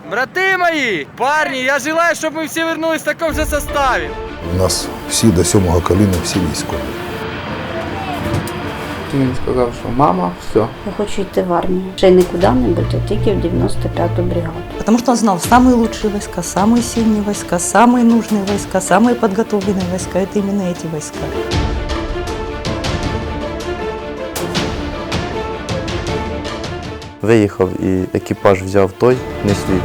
Брати мої, парні, я желаю, щоб ми всі вернулись в такому же составі. У нас всі до 7-го коліна, всі військові. Він сказав, що мама, все. Я хочу йти в армію. Ще й не куди-небудь, а тільки в 95-ту бригаду. Потому что он знал самые лучшие войска, самые сильные войска, самые нужные войска, самые подготовленные войска. Это именно эти войска. Виїхав і екіпаж взяв той, не свій.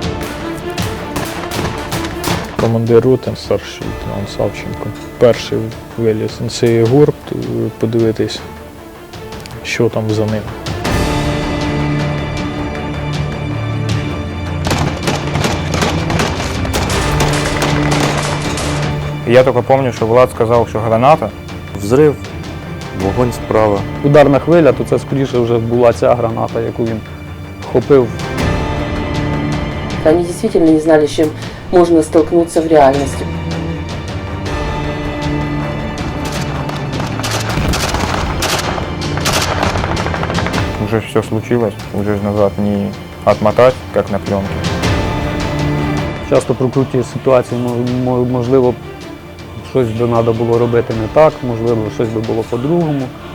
Командир роти, старший лейтенант Савченко. Перший виліз на цей гурт, подивитись, що там за ним. Я тільки пам'ятаю, що Влад сказав, що граната. Взрив, вогонь справа. Ударна хвиля, то це скоріше вже була ця граната, яку він хопив. Они действительно не знали, с чем можно столкнуться в реальности. Уже все случилось, уже назад не отмотать, как на пленке. Часто прокручує ситуації, можливо, щось би треба було робити не так, можливо, щось би було по-другому.